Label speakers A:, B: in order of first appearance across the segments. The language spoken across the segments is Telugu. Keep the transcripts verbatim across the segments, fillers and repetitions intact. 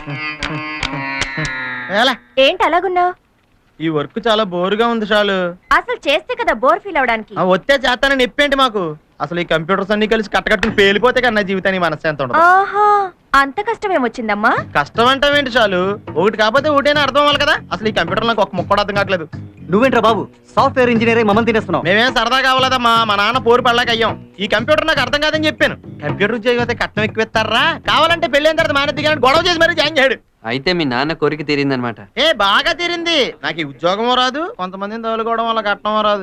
A: ఏంటి అలాగున్నావు?
B: ఈ వర్క్ చాలా బోరుగా ఉంది చాలు.
A: అసలు చేస్తే కదా బోర్ ఫీల్ అవడానికి.
B: వచ్చే చేస్తానని చెప్పేంటి మాకు? అసలు ఈ కంప్యూటర్స్ అన్ని కలిసి కట్టకట్టుకుని పేలిపోతే కన్నా జీవితానికి మనశ్శాంతి ఉండదు.
A: ఆహా, అంత కష్టం ఏమొచ్చిందమ్మా?
B: కష్టం అంటావేంటి చాలు? ఒకటి కాకపోతే ఒకటైనా అర్థం అవ్వాలి కదా. అసలు ఈ కంప్యూటర్ నాకు ఒక ముక్క అర్థం కావట్లేదు.
C: నువ్వేంట్రా బాబు సాఫ్ట్వేర్ ఇంజనీర్ మమ్మల్ని తినేస్తున్నావు?
B: మేమేం సరదా కావాలదమ్మా, మా నాన్న పోరు పడలేక అయ్యాం. ఈ కంప్యూటర్ నాకు అర్థం కాదని చెప్పాను. కంప్యూటర్ ఉద్యోగం అయితే కట్నం ఎక్కువ కావాలంటే పెళ్ళైన తర్వాత మానేది కానీ గొడవ చేసి మరీ జాయిన్ చేయడు.
D: అయితే మీ నాన్న కోరిక తీరిందనమాట.
B: ఏ బాగా తీరింది. నాకు ఈ ఉద్యోగమో రాదు, కొంతమందిని తోలుకోవడం వల్ల కట్నమో రాదు.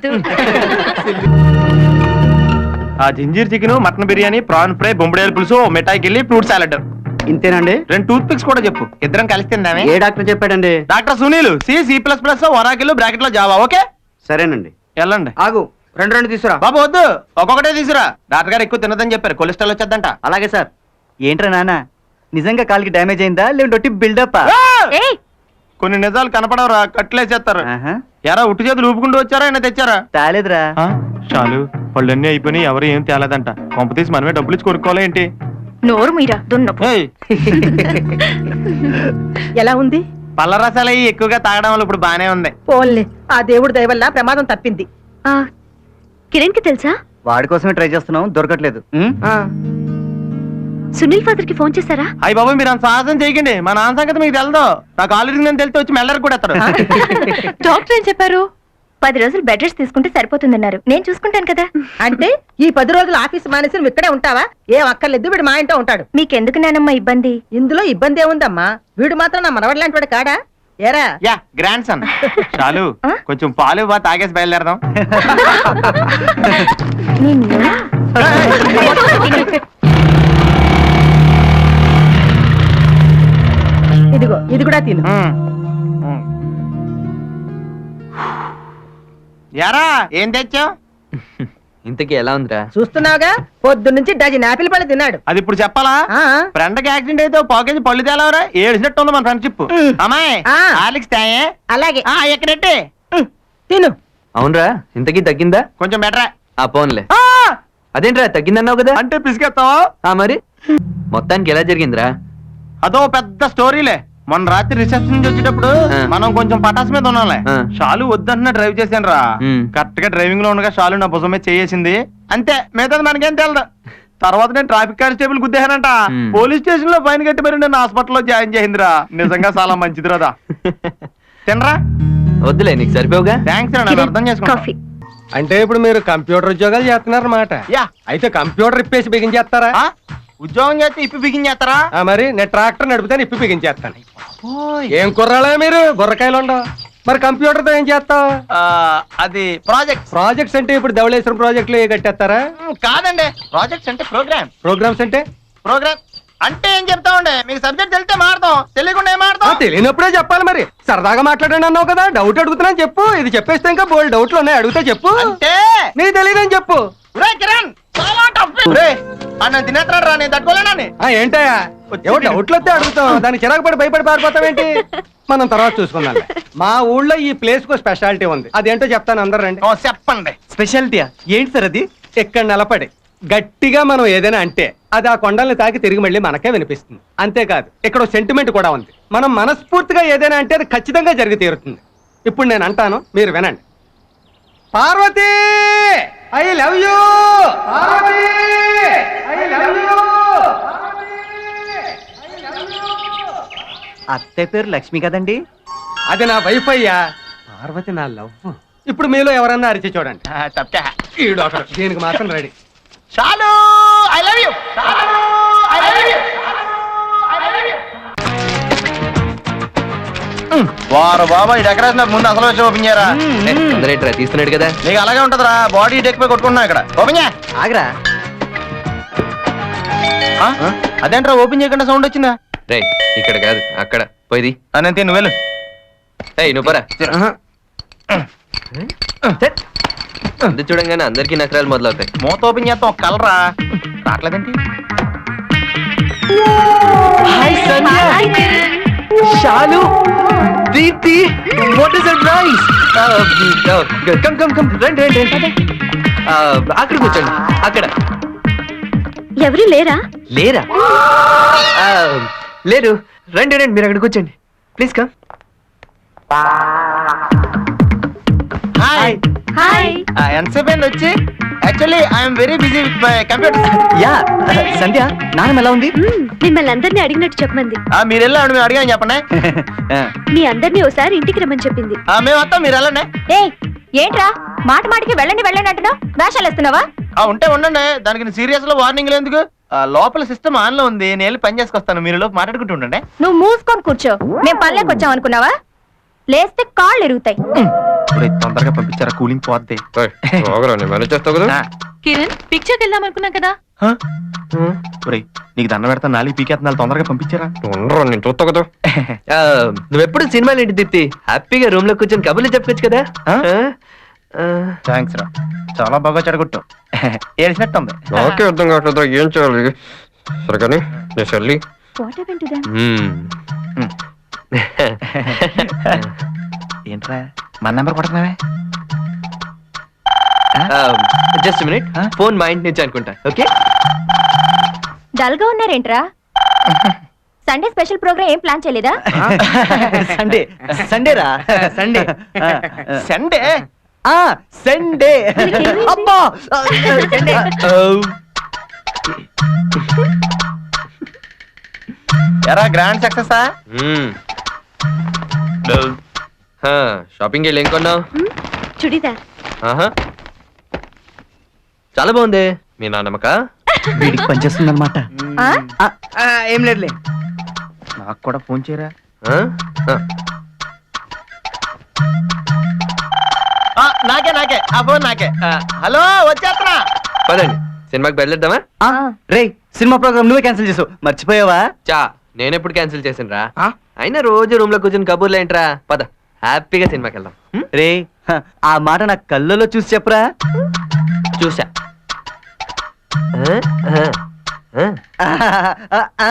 B: ఆ ginger chicken, mutton biryani, prawn fry, బొంబడేలు పులుసు, మిఠాయికి వెళ్ళి ఫ్రూట్ సాలెడ్.
C: ఇంతేనండి?
B: రెండు టూత్ పిక్స్ కూడా చెప్పు, ఇద్దరం కలిసి తిందామే.
C: ఏ డాక్టర్ చెప్పాడండి?
B: Doctor Sunil. C C plus plus Oracle bracket లో జావా. ఓకే
C: సరేనండి.
B: వెళ్ళండి.
C: ఆగు, రెండు రెండు తీసుకురా.
B: బాబు వద్దు, ఒక్కొక్కటే తీసుకురా. డాక్టర్ గారు ఎక్కువ తినదని చెప్పారు, కొలెస్ట్రాల్ వచ్చేద్దంట.
C: అలాగే సార్. ఏంట్రా నాన్న, నిజంగా కాలికి డ్యామేజ్ అయిందా లేదంటే బిల్డప్?
B: కొన్ని నిజాలు కనపడవరా, కట్లేసేస్తారు. ఎరా ఉట్టి చేతులు ఊపుకుంటూ వచ్చారా అయినా తెచ్చారా?
C: తేలేదురా.
B: చాలు, పళ్ళన్నీ అయిపోయినాయి, ఎవరు ఏం తేలేదంట. కొంప తీసి మనమే డబ్బులు ఇచ్చి కొనుక్కోవాలి ఏంటి?
A: నోరు మీరా దున్నపు.
E: ఎలా ఉంది?
B: పళ్ళ రసాలు అయ్యి ఎక్కువగా తాగడం వల్ల ఇప్పుడు బానే ఉంది.
E: పోన్లే, ఆ దేవుడి దయ వల్ల ప్రమాదం తప్పింది.
A: కిరణ్ కి తెలుసా?
C: వాడి కోసమే ట్రై చేస్తున్నాం, దొరకట్లేదు.
A: సునీల్ ఫాదర్ కి ఫోన్ చేశారా?
B: అయ్యి బాబు మీరు అంత సాహసం చేయకండి, మా నాన్న సంగతి మీకు తెలదు. నాకు ఆల్రెడీ నేను తెలితే వచ్చి మెల్లరికి కూడా ఎత్తాడు.
A: డాక్టర్ ఏం చెప్పారు? పది రోజులు బెడ్ రెస్ట్ తీసుకుంటే సరిపోతుందన్నారు. నేను చూసుకుంటాను కదా.
E: అంటే ఈ పది రోజులు ఆఫీస్ మానేసి నువ్వు ఇక్కడే ఉంటావా? ఏం అక్కర్లేదు, వీడు మా ఇంట్లో ఉంటాడు.
A: మీకెందుకు నానమ్మా ఇబ్బంది?
E: ఇందులో ఇబ్బంది ఏముందమ్మా? వీడు మాత్రం నా మనవడి లాంటి వాడు కాడా? ఏరా
B: యా గ్రాండ్ సన్. చాలు, కొంచెం పాలు బా తాగేసి బయలుదేరదాం.
E: ఇదిగో ఇది కూడా తిను.
B: యారా ఏం తెచ్చావు?
D: ఇంతకీ ఎలా ఉందిరా?
E: చూస్తున్నావుగా, పొద్దు నుంచి డజన్ ఆపిల్ పళ్ళు తిన్నాడు.
B: అది ఇప్పుడు చెప్పాలా? ఫ్రెండ్ కి యాక్సిడెంట్ అయితే పాకేజ్ పళ్ళు తేలవరా? ఏడిసినట్టు ఉంది మన ఫ్రెండ్షిప్. అమ్మాయి ఆలిక్స్ తాయే.
E: అలాగే
B: ఎక్కడెట్టే
E: తిను.
D: అవునరా, ఇంతకీ తగ్గిందా?
B: కొంచెం బెటరా.
D: ఆ పోన్లే. అదేంట్రా తగ్గిందన్నావు కదా?
B: అంటే పిసికెత్తావా?
D: మరి మొత్తానికి ఎలా జరిగిందిరా?
B: అదో పెద్ద స్టోరీలే. మొన్న రాత్రి రిసెప్షన్ నుంచి వచ్చేటప్పుడు మనం కొంచెం పటాస్ మీద ఉన్నాంలే. షాలు వద్దంటున్నా డ్రైవ్ చేశాను రా. కరెక్ట్ గా డ్రైవింగ్ లో ఉండగా షాలు నా భుజం మీద చేసింది అంతే, మిగతాది మనకేం తెలదు. తర్వాత నేను ట్రాఫిక్ కానిస్టేబుల్ గుద్దేశానంట. పోలీస్ స్టేషన్ లో ఫైన్ కట్టి మరి నేను హాస్పిటల్లో జాయిన్ చేసిందిరా. నిజంగా చాలా మంచిది రాదా. తినరా?
D: వద్దులే, నీకు సరిపోగా.
B: థ్యాంక్స్ రా, అర్థం చేసుకో.
F: అంటే ఇప్పుడు మీరు కంప్యూటర్ ఉద్యోగాలు చేస్తున్నారన్నమాట.
B: యా.
F: అయితే కంప్యూటర్ ఇప్పేసి బిగించేస్తారా?
B: ఉద్యోగం చేస్తే ఇప్పి బిగించేస్తారా?
F: మరి నేను ట్రాక్టర్ నడిపితే ఇప్పి బిగించేస్తాను. ఏం కుర్రాలే మీరు, బుర్రకాయలు ఉండవు. మరి కంప్యూటర్ తో ఏం చేస్తావు?
B: అది ప్రాజెక్ట్.
F: ప్రాజెక్ట్స్ అంటే ఇప్పుడు ధవళేశ్వరం ప్రాజెక్టులు ఏ కట్టేస్తారా?
B: కాదండి, ప్రాజెక్ట్స్ అంటే ప్రోగ్రామ్.
F: ప్రోగ్రామ్స్ అంటే?
B: ప్రోగ్రామ్ అంటే ఏం చెప్తా ఉండే, మీకు సబ్జెక్ట్ తెలిస్తే మాడతాం, తెలియకుండా ఏం మాడతాం?
F: తెలియనప్పుడే చెప్పాలి. మరి సరదాగా మాట్లాడండి అన్నావు కదా, డౌట్ అడుగుతున్నాను చెప్పు. ఇది చెప్పేస్తే ఇంకా బోల్డ్ డౌట్లు ఉన్నాయి, అడిగితే చెప్పు.
B: అంటే
F: నీకు తెలియదని చెప్పు.
B: కిరణ్ చాలా టఫ్. తినేస్తాడు రా, నేను తట్టుకోలేనని.
F: ఏంటయ్యా ఏవో డౌట్లు వస్తే అడుగుతాం, దానికి చిరాకు పడి భయపడి పారిపోతావేంటి? మనం తర్వాత చూసుకుందాం. మా ఊళ్ళో ఈ ప్లేస్ కు స్పెషాలిటీ ఉంది, అదేంటో చెప్తాను, అందరు రండి.
B: చెప్పండి.
C: స్పెషాలిటీయా ఏంటి సార్ అది?
F: ఇక్కడ నిలబడి గట్టిగా మనం ఏదైనా అంటే అది ఆ కొండల్ని తాకి తిరిగి మళ్ళీ మనకే వినిపిస్తుంది. అంతేకాదు ఇక్కడ సెంటిమెంట్ కూడా ఉంది. మనం మనస్ఫూర్తిగా ఏదైనా అంటే అది ఖచ్చితంగా జరిగి తీరుతుంది. ఇప్పుడు నేను అంటాను, మీరు వినండి. Parvati I love you. Parvati I love you.
C: అత్తయ్య పేరు లక్ష్మి కదండి?
F: అది నా వైఫ్ అయ్యా. పార్వతి నా లవ్. ఇప్పుడు మీలో ఎవరన్నా అరిచి చూడండి.
B: తప్పా
F: ఈ డాక్టర్ దీనికి మాత్రం రెడీ.
B: చాలు, I love you. I love you. వారు బాబా, ఈ డెకరేషన్ ముందు అసలు వచ్చి ఓపెన్ చేయరా.
D: అందరేట్రా తీస్తున్నాడు కదా,
B: నీకు అలాగే ఉంటదిరా. బాడీ డెక్ పై కొట్టుకుంటున్నా ఇక్కడ. ఓపెన్ చేయ.
C: ఆగరా.
B: అదేంట్రా ఓపెన్ చేయకుండా సౌండ్ వచ్చిందా?
D: రే ఇక్కడ కాదు, అక్కడ పోయి.
B: అనంతే నువ్వు వెళ్ళు.
D: ఏయ్ నువ్వు పరా. అందు చూడంగానే అందరికీ నకరాలు మొదలవుతాయి.
B: మూత ఓపెన్ చేస్తాం, ఒక కలరా రావట్లేదేంటి?
D: Shalu, Deepti, what is surprise. Come come come, రండి రండి రండి. అక్కడ కూర్చోండి. అక్కడ
A: ఎవరు లేరా?
D: లేరా? లేరు రండి రండి మీరు అక్కడ కూర్చోండి ప్లీజ్ కమ్.
B: Hi
A: hi.
B: ఎంతసేపు అయింది వచ్చి? Actually I'm very busy with my computer.
C: Yeah Sandhya నాన్నమ్మ ఎలా ఉంది?
A: మిమ్మల్ని అందరినీ అడిగినట్టు చెప్పమంది.
B: మీరు వెళ్ళండి, మేము అడిగాను చెప్పండి.
A: మీ అందరినీ ఒకసారి ఇంటికి రమ్మని చెప్పింది.
B: ఆ, మేము వస్తాం, మీరు వెళ్ళండి.
A: ఏ ఏంట్రా మాట మాటికి వెళ్ళండి వెళ్ళండి అంటున్నావు? వేషాలు వేస్తున్నావా?
B: ఆ, ఉంటే ఉండండి, దానికి సీరియస్ లో వార్నింగ్ ఎందుకు? ఆ, లోపల సిస్టమ్ ఆన్ లో ఉంది, నేను వెళ్ళి పని చేసుకొస్తాను, మీరు లోపు మాట్లాడుకుంటూ ఉండండి.
A: నువ్వు మూసుకొని కూర్చో. మేము పల్లెకి వచ్చాం అనుకున్నావా? లేస్తే కాళ్ళు ఎరుగుతాయి.
B: ఇప్పుడు తొందరగా పంపించారా, కూలింగ్ పోద్ది.
D: మేనేజ్ చేస్తావు కదా.
B: ఆ,
A: కిరణ్ పిక్చర్కి వెళ్దాం అనుకున్నాం కదా.
B: హ? ఒరేయ్, నీకు దండ పెడతా, నాలుగు పీకేస్తున్నాలు, తొందరగా పంపించారా.
D: ఉండరు నేను చూస్తా కదా. నువ్వెప్పుడు సినిమాలు ఏంటి తిప్పి హ్యాపీగా రూమ్ లో కూర్చొని కబుర్లు చెప్పొచ్చు కదా.
B: థ్యాంక్స్ రా, చాలా బాగా చెడగొట్టు. ఏడిసినట్టు ఉంది.
D: నాకే అర్థం కావట్లేదు ఏం చేయాలి. సరే కానీ నేను చెల్లి
A: వాట్ హ్యాపెన్ టు దెం?
B: ఏంట్రా మన నెంబర్ కొడుతున్నావే?
D: జస్ట్ మినిట్, ఫోన్ మా ఇంటి నుంచి అనుకుంటా. ఓకే
A: డల్ గా ఉన్నారేంట్రా? సండే స్పెషల్ ప్రోగ్రామ్ ఏం ప్లాన్ చేయలేదా?
C: సండే సండే రా సండే
B: సండే
C: ఆ సండే అబ్బా సండే
B: ఎరా గ్రాండ్ సక్సెసా?
D: షాపింగ్ వెళ్ళి ఏం కొన్నావు?
A: చుడిదార్.
D: ఆహా, చాలా బాగుంది. మీ నాన్నమ్మక
C: వీడికి పనిచేస్తుంది అనమాట.
A: ఆ?
C: ఏం లేదులే.
B: నాకు కూడా ఫోన్ చేయరా. ఆ, నాకే నాకే ఆ ఫోన్ నాకే. ఆ, హలో వచ్చేస్తున్నా.
D: పదండి సినిమాకి బయలుదేద్దామా?
C: రే సినిమా ప్రోగ్రామ్ నువ్వే క్యాన్సిల్ చేసావు, మర్చిపోయావా?
D: చా నేను ఎప్పుడు క్యాన్సిల్ చేసిన రా. అయినా రోజు రూమ్ లో కూర్చొని కబుర్లు ఏంట్రా. పద హ్యాపీగా సినిమాకి వెళ్దాం. హ్మ్?
C: రే హ, ఆ మాట నా కళ్ళలో చూసి చెప్పరా.
D: చూసా. ఆ? ఆ? ఆ?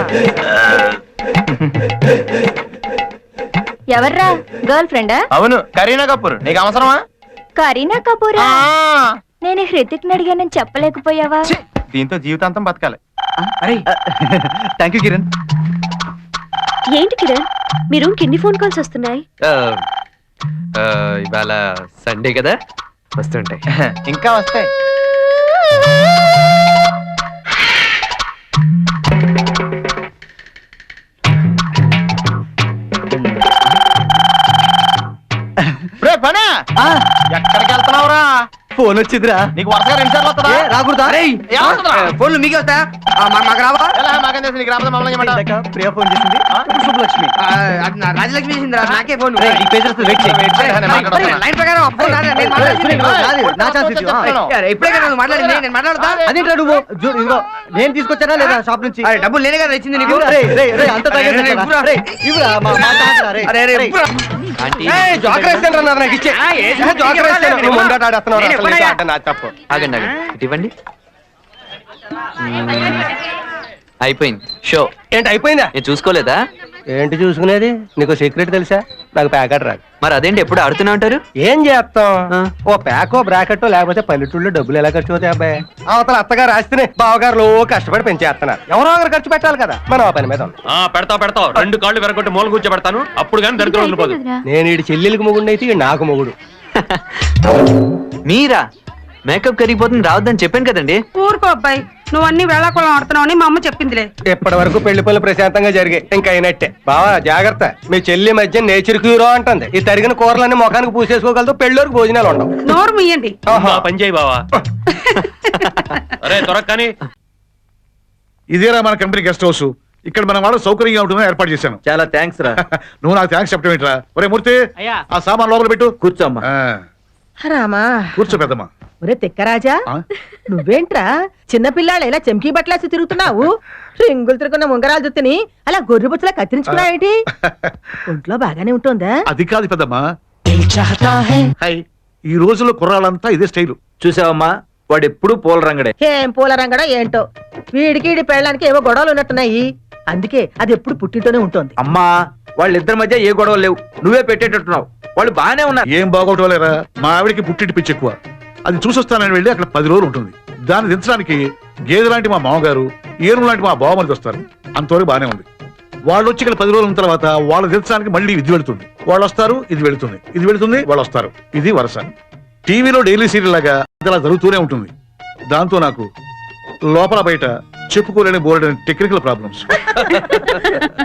A: ఎవర్రా? గర్ల్ ఫ్రెండా?
B: అవును, కరీనా కపూర్. నీకు అవసరమా?
A: కరీనా కపూరా?
B: ఆ,
A: నేను హృతిక్ అడిగానని చెప్పలేకపోయావా?
B: ఛీ, దీంతో జీవితాంతం బతకాలి.
C: అరే థ్యాంక్ యూ కిరణ్.
A: ఏంటి కిరణ్, మీ రూమ్ కి ఎన్ని ఫోన్ కాల్స్ వస్తున్నాయి?
D: ఆ, ఆ, ఇవాళ సండే కదా, వస్తుంటాయి.
B: ఇంకా వస్తాయి. రే పనా,
C: ఆ,
B: ఎక్కడికి వెళ్తున్నావురా?
C: ఫోన్ వచ్చిందిరా.
B: నీకు వరుసగా రెండు సార్లు వస్తుందా?
C: ఏ, రాకూడదా?
B: ఏమవుతుందిరా?
C: ఫోన్లు మీకే వస్తా మాకు రావా?
B: ఎలా మాకేం తెలుసు, నీకు రాబోతే మమ్మల్ని ఏమంటావు?
C: ఇందాక ప్రియా ఫోన్ చేసింది.
B: ఆ?
C: ఇప్పుడు శుభలక్ష్మి.
G: రాజలక్ష్మి చేసిందిరా, నాకే ఫోన్.
C: రేయ్, ఈ పేజెస్ లో వెయిట్ చేయి.
B: నేను మాట్లాడతాను.
G: లైన్ ప్రకారం ఆ ఫోన్ నాదే, నేను మాట్లాడింది.
C: నాది, నా ఛాన్స్ ఇది. ఆ,
G: అరే, ఇప్పుడే కదా నువ్వు మాట్లాడింది, నేను మాట్లాడతా.
C: అదేంట్రా నువ్వు జూ- ఇదిగో నేను తీసుకొచ్చానా లేదా షాప్ నుంచి?
G: అరే, డబ్బులు నేనే కదా ఇచ్చింది నీకు.
C: ఇవ్వురా, రేయ్, రేయ్, రేయ్, అంత తాగేసారా?
G: ఇవ్వురా.
C: రేయ్, ఇవ్వురా, మా మా తాతరా, రేయ్.
G: అరే, అరే,
C: రేయ్.
G: ఇవ్వురా.
D: ఆంటీ,
F: జోకర్ వేస్తాను నాకు ఇచ్చే
G: ఆ, ఏ
F: జోకర్ వేస్తాను.
G: నేను
F: నువ్వు ముందట ఆడేస్తున్నావు,
G: నేను
F: అసలు
G: ఎప్పుడయ్యా?
F: నీతో ఆట నా తప్పు.
D: ఆగండి ఆగండి, ఇటు ఇవ్వండి. మ్మ్. అయిపోయింది షో.
F: ఏంటి అయిపోయిందా?
D: నేను చూసుకోలేదా?
F: ఏంటి చూసుకునేది? నీకు సీక్రెట్ తెలుసా? నాకు ప్యాకెట్ రాదు.
D: మరి అదేంటి ఎప్పుడు ఆడుతూనే ఉంటారు?
F: ఏం చేస్తాం?
D: ఆ.
F: ఓ ప్యాకో బ్రాకెట్టో లేకపోతే పల్లెటూళ్ళు డబ్బులు ఎలా ఖర్చు అవుతాయి అబ్బాయి? అవతల అత్తగారు రాస్తేనే బావగారులు ఓ కష్టపడి పెంచేస్తున్నారు. ఎవరో ఒకరు ఖర్చు పెట్టాలి కదా. మనం ఆ పని మీద ఉన్నాం.
H: ఆ పెడతావు పెడతావు రెండు కాళ్ళు వెరగొట్టి మూల కూర్చోబెడతాను, అప్పుడు కానీ దరిద్రం వదిలిపోదు.
F: నేను ఈ చెల్లెలికి మొగుడు అయితే ఈడు నాకు మొగుడు.
D: మీరా? మేకప్ కరిగిపోతుంది రావద్దని చెప్పాను కదండి.
E: ఊరుకో అబ్బాయి, నువ్వు అన్ని వేళాకుళం ఆడుతున్నావని మా అమ్మ చెప్పిందిలే.
F: ఇప్పటి వరకు పెళ్లి పనులు ప్రశాంతంగా జరిగాయి, ఇంకా అయినట్టే. బావా జాగ్రత్త, మీ చెల్లి మధ్య నేచర్ క్యూరో అంటుంది. ఈ తరిగిన కూరలన్నీ ముఖానికి పూసేసుకోగలదు, పెళ్ళోరికి భోజనాలు ఉండవు.
E: నోరు ముయ్యండి.
F: ఆహా.
H: ఆ పని చేయి బావా. అరే త్వరగా కానీ.
I: ఇదేరా మన కంపెనీ గెస్ట్ హౌస్. ఇక్కడ మన వాళ్ళు సౌకర్యంగా ఉంటుందని ఏర్పాటు చేశాను.
C: చాలా థ్యాంక్స్ రా.
I: నువ్వు నాకు థ్యాంక్స్ చెప్పడం ఏంట్రా? ఒరే మూర్తి, ఆ సామాన్ లోపల పెట్టు.
C: కూర్చోమ్మా.
I: ఆ,
E: రామా,
I: కూర్చో పెద్దమ్మా.
E: ఒరే తిక్కరాజా,
I: ఆ?
E: నువ్వేంట్రా చిన్నపిల్లాడు ఇలా చెంకీ బట్టలేసి తిరుగుతున్నావు? రింగులు తిరుగున్న ఉంగరాలు జుత్తుని అలా గొర్రె బుచ్చలా కత్తిరించుకున్నావేంటి? ఒంట్లో బాగానే ఉంటుందా?
I: అది కాదు పెద్దమ్మా. హై, ఈ రోజుల్లో కుర్రాళ్ళంతా ఇదే స్టైలు.
C: చూసావమ్మా, వాడు ఎప్పుడు పూల రంగడే.
E: ఏం పూల రంగడో ఏంటో, వీడికి ఈడి పెళ్ళడానికి ఏవో గొడవలు ఉన్నట్టున్నాయి. అందుకే అది ఎప్పుడు పుట్టింటూనే ఉంటుంది.
C: అమ్మా, వాళ్ళిద్దరి మధ్య ఏ గొడవలు లేవు, నువ్వే పెట్టేటట్టున్నావు. వాళ్ళు బాగానే ఉన్నారు.
I: ఏం బాగోటలేరా, మా ఆవిడికి పుట్టింటి పిచ్చి ఎక్కువ. అది చూసొస్తానని వెళ్ళి అక్కడ పది రోజులు ఉంటుంది. దాన్ని దించడానికి గేదె లాంటి మా మామగారు, ఏను లాంటి మా బావమరిది వస్తారు. అంతవరకు బానే ఉంది. వాళ్ళు వచ్చి ఇక్కడ పది రోజుల తర్వాత వాళ్ళు తెచ్చడానికి మళ్ళీ ఇది వెళుతుంది, వాళ్ళు వస్తారు, ఇది వెళుతుంది, ఇది వెళుతుంది, వాళ్ళు వస్తారు. ఇది వరుస. టీవీలో డైలీ సీరియల్ లాగా ఇది అలా జరుగుతూనే ఉంటుంది. దాంతో నాకు లోపల బయట చెప్పుకోలేని బోర్డు టెక్నికల్ ప్రాబ్లమ్స్.